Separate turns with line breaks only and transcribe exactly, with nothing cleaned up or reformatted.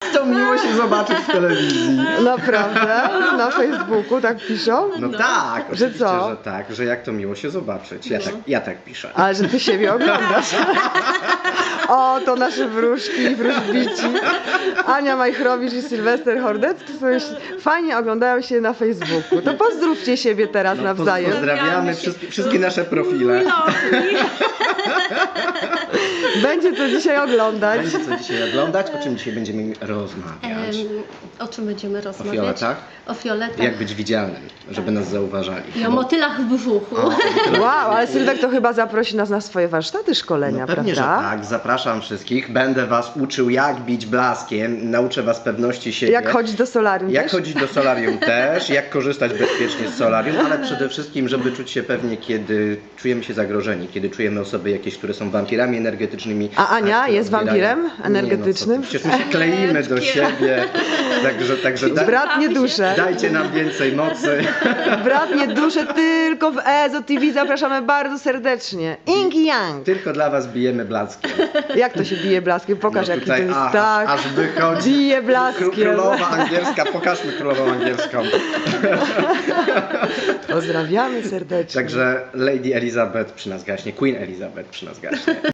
to miło się zobaczyć w telewizji.
Naprawdę? Na Facebooku tak piszą?
No tak,
Że
oczywiście,
co?
że tak, że jak to miło się zobaczyć. Ja, tak, ja tak piszę.
Ale że ty siebie oglądasz. O, to nasze wróżki i wróżbici. Ania Majchrowicz i Sylwester Hordecki sobie fajnie oglądają się na Facebooku. To pozdrówcie siebie teraz
No,
nawzajem.
pozdrawiamy wszystkie, wszystkie nasze profile.
Będzie to dzisiaj oglądać.
Będzie co dzisiaj oglądać, o czym dzisiaj będziemy rozmawiać.
Em, o czym będziemy
O
rozmawiać?
fioletach?
O fioletach
Jak być widzialnym, żeby nas zauważali.
i o
Bo-
motylach w brzuchu.
O, tyle.
Wow, ale Sylwek to chyba zaprosi nas na swoje warsztaty szkolenia,
No pewnie,
prawda?
że tak. Zapraszam wszystkich. Będę was uczył, jak bić blaskiem. Nauczę was pewności siebie.
Jak chodzić do solarium
Jak
też?
chodzić do solarium też, jak korzystać bezpiecznie z solarium, ale przede wszystkim, żeby czuć się pewnie, kiedy czujemy się zagrożeni, kiedy czujemy osoby jakieś, które są wampirami energetycznymi.
A Ania
które
jest
odbierają-
wampirem
Nie, no co ty,
energetycznym?
przecież my się kleimy do siebie, także, także da,
Bratnie dusze.
dajcie nam więcej mocy.
Bratnie dusze tylko w Ezo T V zapraszamy bardzo serdecznie. Ing i Yang.
Tylko dla was bijemy blaskiem.
Jak to się bije blaskiem? Pokaż
No
jaki to
tutaj,
jest.
a,
Tak.
aż wychodzi.
Bije
Kró-
blaskiem.
Królowa angielska, pokażmy królową angielską.
Pozdrawiamy serdecznie.
Także Lady Elizabeth przy nas gaśnie, Queen Elizabeth przy nas gaśnie.